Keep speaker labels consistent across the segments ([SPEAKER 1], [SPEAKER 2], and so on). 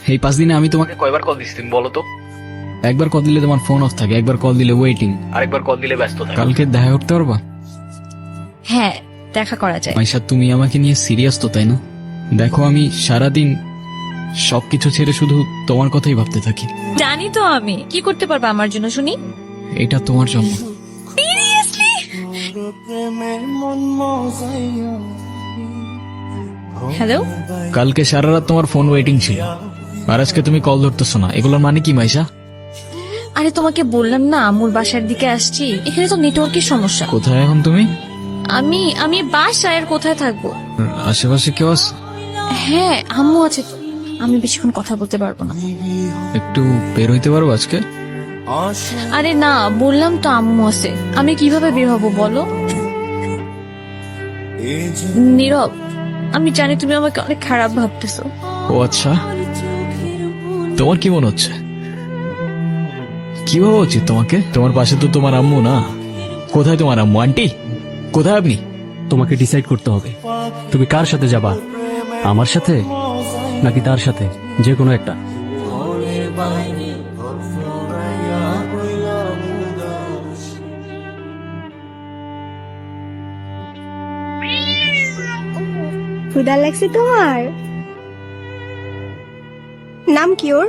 [SPEAKER 1] এই 5 দিনে আমি তোমাকে কয়বার কল দিছি তুমি বলো তো? একবার কল দিলে তোমার ফোন অফ থাকে, একবার কল দিলে ওয়েটিং, আরেকবার কল দিলে ব্যস্ত থাকে। কালকে দেখা করতে পারবা?
[SPEAKER 2] হ্যাঁ, দেখা করা যায়।
[SPEAKER 1] মাইশা, তুমি আমাকে নিয়ে সিরিয়াস তো, তাই না? দেখো, আমি সারাদিন সবকিছু ছেড়ে শুধু তোমার কথাই ভাবতে থাকি।
[SPEAKER 2] জানি তো আমি কি করতে পারবো আমার জন্য, শুনি।
[SPEAKER 1] এটা তোমার জন্য।
[SPEAKER 2] সিরিয়াসলি? হ্যালো?
[SPEAKER 1] কালকে সারা রাত তোমার ফোন ওয়েটিং ছিল, আর আজকে তুমি কল ধরতেছো না, এগুলোর মানে কি মাইশা?
[SPEAKER 2] আরে তোমাকে বললাম না আম্মুর বাসার দিকে আসছি, এখানে তো নেটওয়ার্কের সমস্যা।
[SPEAKER 1] কোথায় এখন তুমি?
[SPEAKER 2] আমি আমি বাসায়, আর কোথায় থাকবো?
[SPEAKER 1] আশেপাশে কেউ আছে?
[SPEAKER 2] হ্যাঁ, আম্মু আছে তো। আমি বেশিক্ষণ কথা বলতে পারবো না।
[SPEAKER 1] একটু বের হইতে পারবো আজকে?
[SPEAKER 2] আরে না, বললাম তো আম্মু আছে, আমি কিভাবে বের হবো বলো? নীরব, আমি জানি তুমি আমাকে অনেক খারাপ ভাবতেছো।
[SPEAKER 1] ও আচ্ছা, তোমার কি মনে হচ্ছে? কি ভাবা উচিত তোমাকে? তোমার পাশে তো তোমার আম্মু না। কোথায় তোমার আম্মু? আন্টি কোথায় আপনি?
[SPEAKER 3] তোমাকে ডিসাইড করতে হবে তুমি কার সাথে যাবা, আমার সাথে নাকি তার সাথে, যে কোনো একটা।
[SPEAKER 4] ক্ষুধা লাগছে তোমার? নাম কি ওর?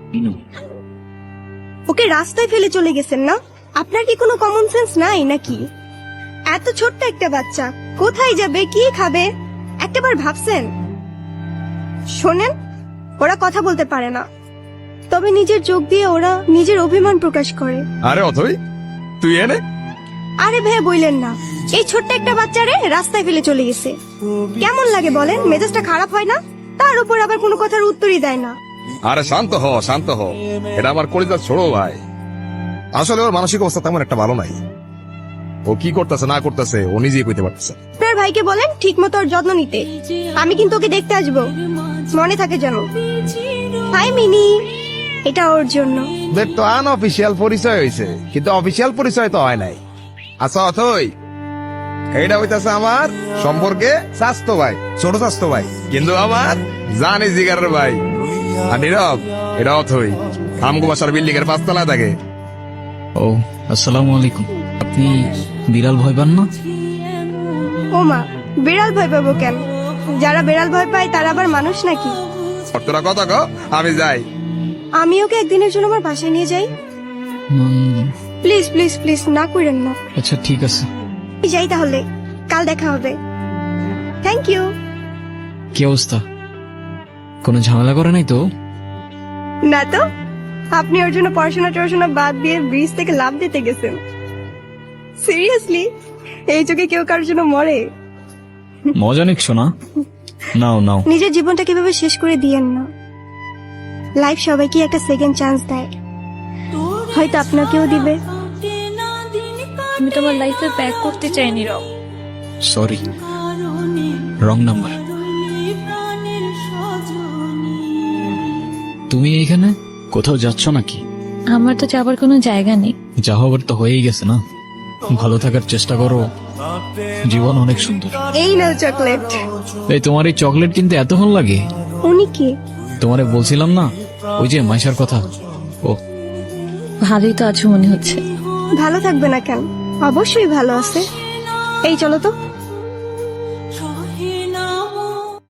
[SPEAKER 4] ওকে রাস্তায় ফেলে চলে গেছেন না? আপনার কি কোনো কমন সেন্স নাই নাকি? এত ছোট্ট একটা বাচ্চা কোথায় যাবে, কি খাবে, একটাবার ভাবছেন? শোনেন, ওরা কথা বলতে পারে না, তবে নিজের চোখ দিয়ে ওরা নিজের অভিমান প্রকাশ করে।
[SPEAKER 5] আরে অথই, তুই এনে?
[SPEAKER 4] আরে ভাই বইলেন না, এই ছোট্ট একটা বাচ্চারে রাস্তায় ফেলে চলে গেছে। কেমন লাগে বলেন? মেজাজটা খারাপ হয় না? তার উপর আবার কোনো কথার উত্তরই দেয় না।
[SPEAKER 5] আরে শান্ত হ, শান্ত হ। এটা আমার কলিজার ছোড়ো ভাই। আসলে ওর মানসিক অবস্থা তেমন একটা ভালো নাই। ও কি করতেছে না করতেছে ও নিজেই কইতে পারতেছে।
[SPEAKER 4] আপনার ভাইকে বলেন ঠিক মতো ওর যত্ন নিতে। আমি কিন্তু ওকে দেখতে আসবো, মনে থাকে যেন। হাই মিনি, এটা ওর জন্য।
[SPEAKER 5] দেখ তো আনঅফিসিয়াল পরিচয় হয়েছে, কিন্তু অফিসিয়াল পরিচয় তো হয় নাই। আচ্ছা অথই, এইটা হইতাছে আমার সম্পর্কে স্বাস্থ্য ভাই, ছোট স্বাস্থ্য ভাই, কিন্তু আমার জানি জিগারের ভাই। আর নীরব, এটা অথই আমগো বাসার বিল্ডিং এর 5 তলায় থাকে।
[SPEAKER 1] ও আসসালামু আলাইকুম। আপনি বিড়াল ভয় পান না?
[SPEAKER 4] ও মা, বিড়াল ভয় পাবো কেন? যারা বিড়াল ভয় পায় তারা আবার মানুষ নাকি?
[SPEAKER 5] তোরা কথা কও, আমি যাই।
[SPEAKER 4] আমি ওকে একদিনের জন্য আমার বাসায় নিয়ে যাই। প্লিজ প্লিজ প্লিজ, না করেন না।
[SPEAKER 1] আচ্ছা ঠিক আছে।
[SPEAKER 4] যাই তাহলে, কাল দেখা হবে। Thank you.
[SPEAKER 1] কি অবস্থা? কোনো ঝামেলা করে নাই তো?
[SPEAKER 4] না তো, আপনি ওর জন্য পড়াশোনা বাদ দিয়ে ব্রিজ থেকে লাফ দিতে গেছেন। সিরিয়াসলি, এই যুগে কেউ কারোর জন্য মরে?
[SPEAKER 1] মজা নিচ্ছো না? নাও নাও।
[SPEAKER 4] নিজের জীবনটা কিভাবে শেষ করে দিয়েন না। লাইফ সবাইকে একটা সেকেন্ড চান্স দেয়, হয়তো আপনাকেও দিবে।
[SPEAKER 2] আমি তোমার লাইফে ব্যাক করতে চাই নীরব।
[SPEAKER 1] Sorry, wrong number. তুমি এইখানে কোথাও যাচ্ছ নাকি?
[SPEAKER 2] আমার তো যাবার কোনো জায়গা নেই।
[SPEAKER 1] যা হবার তো হয়েই গেছে না। ভালো থাকার চেষ্টা করো, জীবন অনেক সুন্দর।
[SPEAKER 4] এই নাও চকলেট।
[SPEAKER 1] এই তোমার এই চকলেট কিনতে এত ভালো লাগে?
[SPEAKER 4] উনি কি?
[SPEAKER 1] তোমারে বলছিলাম না, ওই যে মাইশার কথা। ও
[SPEAKER 2] ভালোই তো আছো মনে হচ্ছে।
[SPEAKER 4] ভালো থাকবে না কেন? অবশ্যই ভালো আছে। এই চলো তো।